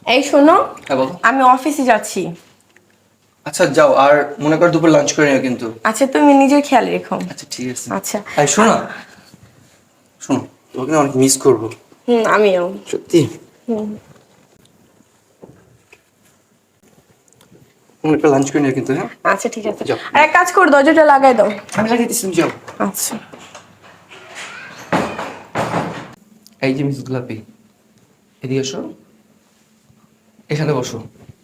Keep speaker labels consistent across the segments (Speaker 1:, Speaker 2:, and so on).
Speaker 1: এই শোনো,
Speaker 2: হ্যাঁ বলো।
Speaker 1: আমি অফিসে যাচ্ছি।
Speaker 2: আচ্ছা যাও, আর মনে কর দুপুর লাঞ্চ করে নিও কিন্তু।
Speaker 1: আচ্ছা, তুমি নিজের খেয়াল রেখো।
Speaker 2: আচ্ছা ঠিক আছে।
Speaker 1: আচ্ছা।
Speaker 2: এই শোনো না, শোনো, তোমাকে না অনেক মিস করবো
Speaker 1: আমিও।
Speaker 2: সত্যি।
Speaker 1: হুম।
Speaker 2: মনে করে লাঞ্চ করে নিও কিন্তু। হ্যাঁ
Speaker 1: আচ্ছা ঠিক আছে।
Speaker 2: যাও।
Speaker 1: আর এক কাজ করো, দরজাটা লাগাই দাও।
Speaker 2: আমি লাগিয়ে দিচ্ছি, তুমি যাও।
Speaker 1: আচ্ছা।
Speaker 2: এই যে মিস গোলাপি, এদিকে এসো, এখানে বসো।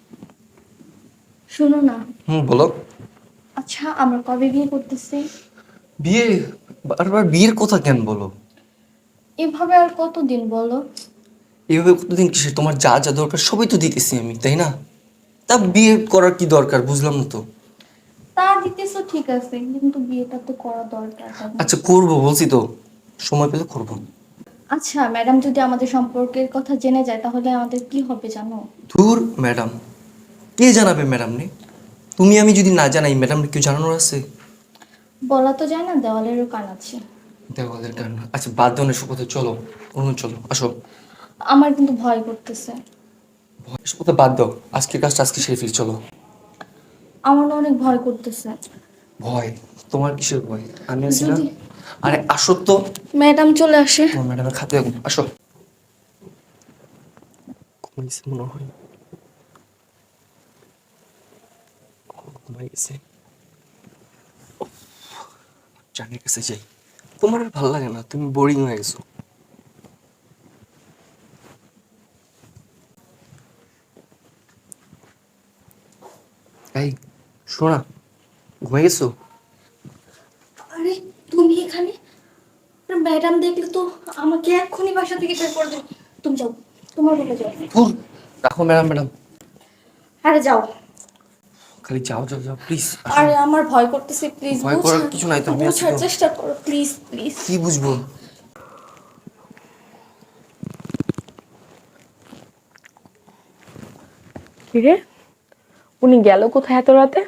Speaker 3: শোনো না,
Speaker 2: বলো।
Speaker 3: আচ্ছা আমরা কবে বিয়ে করতেছি?
Speaker 2: বিয়ে? বারবার বিয়ের কথা কেন বলো?
Speaker 3: এভাবে আর কতদিন বলো?
Speaker 2: এইভাবে কতদিন কিসে? তোমার যা যা দরকার সবই তো দিতেছি আমি, তাই না? তা বিয়ে করার কি দরকার বুঝলাম না তো।
Speaker 3: তা দিতেছো ঠিক আছে, কিন্তু বিয়েটা তো করা দরকার, তাই না?
Speaker 2: আচ্ছা করবো, বলছি তো, সময় পেলে করবো।
Speaker 3: আচ্ছা ম্যাডাম যদি আমাদের সম্পর্কের কথা জেনে যায় তাহলে আমাদের কি হবে জানো?
Speaker 2: ধুর ম্যাডাম, কে জানাবে ম্যাডাম নে? তুমি আমি যদি না জানাই, ম্যাডাম কেউ জানানোর আছে?
Speaker 3: বলা তো যায় না, দেওয়ালেরও কান আছে।
Speaker 2: দেওয়ালের কারণ? আচ্ছা বাদ দাও না এসব কথা, চলো অন্য চলো, আসো।
Speaker 3: আমার কিন্তু ভয় করতেছে।
Speaker 2: এসব কথা বাদ দাও, আজকের কাজটা আজকে সেরে ফেলি, চলো।
Speaker 3: আমার না অনেক ভয় করতেছে।
Speaker 2: ভয়? তোমার কিসের ভয়? আমি আছি না।
Speaker 3: যদি
Speaker 2: আরে আসো তো।
Speaker 3: ম্যাডাম চলে আসে।
Speaker 2: তোমার ম্যাডামের খাতে রাখুন, আসো। ঘুমাইছে মনে হয়, ঘুমাই গেছে। জানের কাছে যাই। তোমার আর ভালো লাগে না, তুমি বোরিং হয়ে গেছো। এই শোনা, ঘুমাই গেছো?
Speaker 3: আরে তুমি এখানে? ম্যাডাম দেখলে তো আমাকে এক্ষুনি বাসা থেকে বের করে দেবে। তুমি যাও, তোমার রুমে যাও।
Speaker 2: ধুর, রাখো ম্যাডাম, ম্যাডাম
Speaker 3: আরে যাও।
Speaker 2: খালি যাও যাও যাও প্লিজ।
Speaker 3: আরে আমার ভয় করতেছে, প্লিজ
Speaker 2: ভয় করার কিছু নাই তো, আমি আছি
Speaker 3: বোঝার
Speaker 2: তো।
Speaker 3: চেষ্টা করো প্লিজ প্লিজ।
Speaker 2: কি বুঝবো?
Speaker 1: কিরে, উনি গেল কোথায় এত রাতে?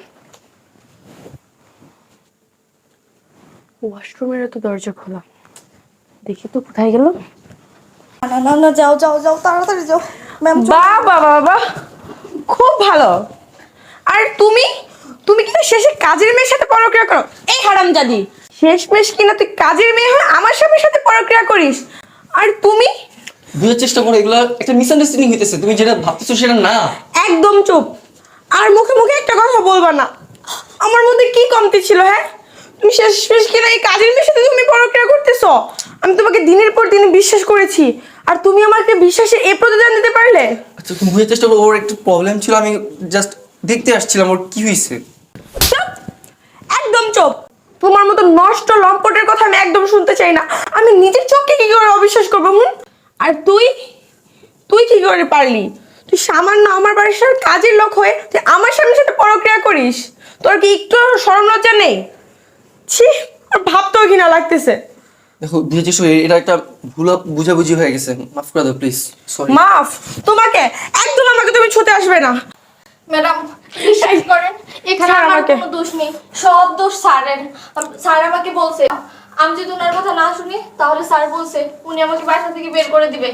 Speaker 1: ওয়াশরুমের তো দরজা খোলা, দেখি তো কোথায় গেল।
Speaker 3: না না না, যাও যাও যাও, তাড়াতাড়ি যাও। ম্যাম
Speaker 1: বাহ বাহ বাহ বাহ, খুব ভালো। আর তুমি তুমি কিন্তু শেষে কাজের মেয়ের সাথে পরক্রিয়া করো। এই হারামজাদি, শেষমেশ কিনা তুই কাজের মেয়ে হয়ে আমার স্বামীর সাথে পরক্রিয়া করিস। আর তুমি
Speaker 2: বুঝার চেষ্টা করো, এগুলো একটা মিসআন্ডারস্ট্যান্ডিং হইতেছে, তুমি যেটা ভাবতেছো সেটা না।
Speaker 1: একদম চুপ। আর মুখে মুখে একটা কথা বলবা না। আমার মধ্যে কি কমতি ছিল? হ্যাঁ, তুমি শেষমেশ কিনা এই কাজের মেয়ের সাথে তুমি পরক্রিয়া করতেছো। আমি তোমাকে দিনের পর দিন বিশ্বাস করেছি, আর তুমি আমাকে বিশ্বাসে এ প্রতিদান দিতে পারলে?
Speaker 2: আচ্ছা তুমি বুঝার চেষ্টা করো, ওর একটু প্রবলেম ছিল, আমি জাস্ট দেখতে আসছিলাম ওর কি হয়েছে।
Speaker 1: চুপ, একদম চুপ। তোমার মতো নষ্ট লম্পটের কথা আমি একদম শুনতে চাই না। আমি নিজের চোখকে কি করে অবিশ্বাস করবো? আর তুই তুই কি করে পারলি? তুই সামান্য আমার বাড়ির সাথে কাজের লোক হয়ে তুই আমার স্বামীর সাথে পরক্রিয়া করিস? তোর কি একটু শরম লজ্জা নেই? ছি, আর ভাবতেও ঘৃণা লাগতেছে।
Speaker 2: দেখো বুঝার চেষ্টা করো, এটা একটা ভুল বুঝাবুঝি হয়ে গেছে, মাফ করে দাও প্লিজ, সরি।
Speaker 1: মাফ? তোমাকে একদম আমাকে তুমি ছুতে আসবে না।
Speaker 3: ম্যাডাম বিশ্বাস করেন, এখানে
Speaker 1: ছাড়
Speaker 3: আমার
Speaker 1: আমাকে।
Speaker 3: কোনো দোষ নেই, সব দোষ স্যারের। স্যার আমাকে বলছে আমি যদি ওনার কথা না শুনি তাহলে স্যার বলছে উনি আমাকে বাসা থেকে বের করে দিবে।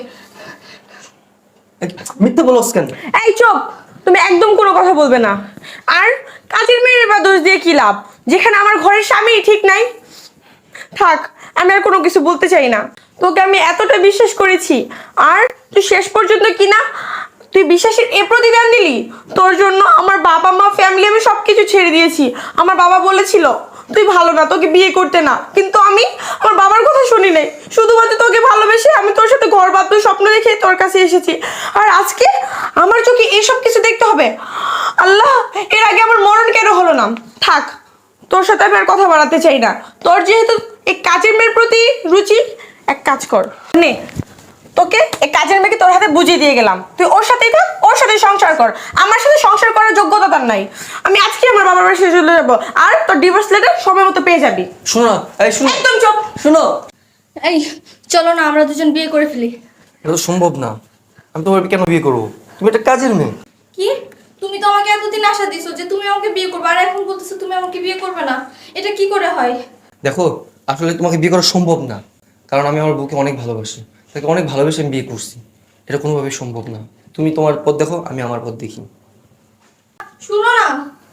Speaker 2: মিথ্যা বলোস কেন?
Speaker 1: এই চুপ, তুমি একদম কোনো কথা বলবে না। আর কাজের মেয়ের বা দোষ দিয়ে কি লাভ, যেখানে আমার ঘরের স্বামী ঠিক নাই? থাক, আমি আর কোনো কিছু বলতে চাই না। তোকে আমি এতটা বিশ্বাস করেছি, আর তুই শেষ পর্যন্ত কিনা তুই বিশ্বাসের এ প্রতিদান দিলি। তোর জন্য আমার বাবা মা ফ্যামিলি আমি সবকিছু ছেড়ে দিয়েছি। আমার বাবা বলেছিল তুই ভালো না, তোকে বিয়ে করতে না, কিন্তু আমি আমার বাবার কথা শুনি নাই। শুধুমাত্র তোকে ভালোবেসে আমি তোর সাথে ঘর বাঁধবো স্বপ্ন দেখে তোর কাছে এসেছি। আর আজকে আমার চোখে এসব কিছু দেখতে হবে? আল্লাহ, এর আগে আমার মরণ কেন হলো না? থাক, তোর সাথে আমি আর কথা বাড়াতে চাই না। তোর যেহেতু এই কাজের মেয়ের প্রতি রুচি, এক কাজ কর নে, তোকে এই কাজের মেয়েকে তোর হাতে বুঝিয়ে দিয়ে গেলাম। তুই ওর সাথেই থাক, ওর সাথে সংসার কর। আমার সাথে সংসার করার যোগ্যতা তার নাই। আমি আজকে আমার বাবার বাসায় চলে যাবো, আর তোর ডিভোর্স লেটার সময় মতো পেয়ে যাবি।
Speaker 2: শোনো না, এই শোনো,
Speaker 1: একদম চুপ।
Speaker 2: শোনো।
Speaker 3: এই চলো না আমরা দুজন বিয়ে করে ফেলি।
Speaker 2: এটা তো সম্ভব না, আমি তোমার কেন বিয়ে করবো? তুমি একটা কাজের মেয়ে।
Speaker 3: কি? তুমি তো আমাকে এতদিন আশা দিছো যে তুমি আমাকে বিয়ে করবে, আর এখন বলতেছো তুমি আমাকে বিয়ে করবে না। এটা কি করে হয়?
Speaker 2: দেখো, আসলে তোমাকে বিয়ে করা সম্ভব না, কারণ আমি আমার বউকে অনেক ভালোবাসি, তাকে অনেক ভালোবেসে আমি বিয়ে করছি। এটা কোনোভাবে সম্ভব না। তুমি তোমার পথ দেখো, আমি আমার পথ দেখি।
Speaker 3: শুনো না,